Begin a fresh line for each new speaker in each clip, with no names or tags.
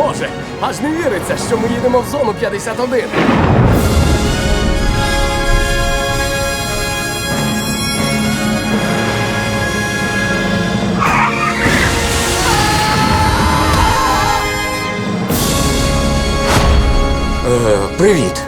Боже, аж не віриться, що ми їдемо в зону 51.
Привіт.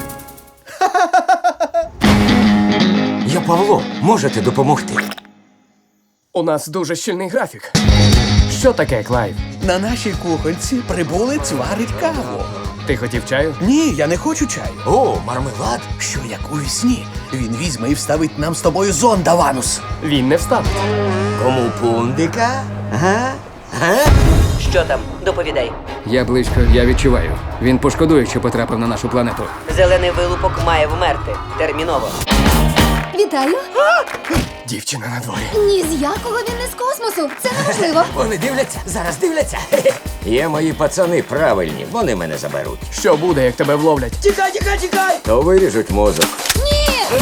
Я Павло. Можете допомогти?
У нас дуже щільний графік. Що таке, Клайв?
На нашій кухонці прибулець варить каву.
Ти хотів чаю?
Ні, я не хочу чаю.
О, мармелад?
Що як у сні? Він візьме і вставить нам з тобою зонда, Ванус.
Він не вставить.
Кому пундика? Га? Га?
Що там? Доповідай.
Я близько, я відчуваю. Він пошкодує, що потрапив на нашу планету.
Зелений вилупок має вмерти. Терміново.
Вітаю!
Дівчина на дворі.
Ні з якого він не з космосу. Це неможливо.
Вони дивляться, зараз дивляться. Є мої пацани правильні, вони мене заберуть.
Що буде, як тебе вловлять?
Тікай, тікай, тікай! То виріжуть мозок.
Ні!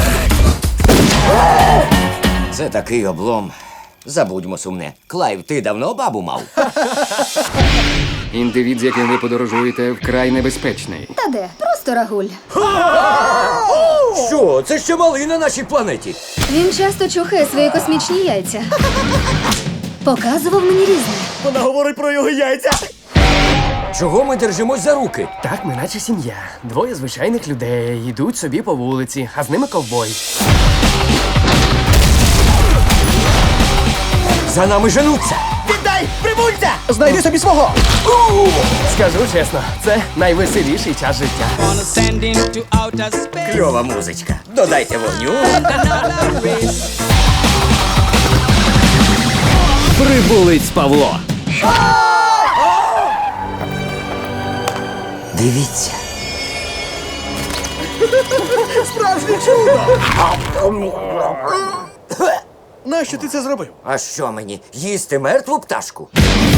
Це такий облом. Забудьмо сумне. Клайв, ти давно бабу мав?
Індивід, з яким ви подорожуєте, вкрай небезпечний.
Та де? Просто рагуль.
Що? Це ще малий на нашій планеті.
Він часто чухає свої космічні яйця. Показував мені різне.
Вона говорить про його яйця.
Чого ми держимось за руки?
Так, ми наче сім'я. Двоє звичайних людей йдуть собі по вулиці, а з ними ковбой.
За нами женуться.
Віддай! Прибульця! Знайди собі свого!
Скажу чесно, це найвеселіший час життя.
Wanna send into outer space.
Кльова музичка. Додайте вогню.
Another race.
Прибулець Павло.
Дивіться.
Справжнє чудо! Нащо ти це зробив?
А що мені? Їсти мертву пташку?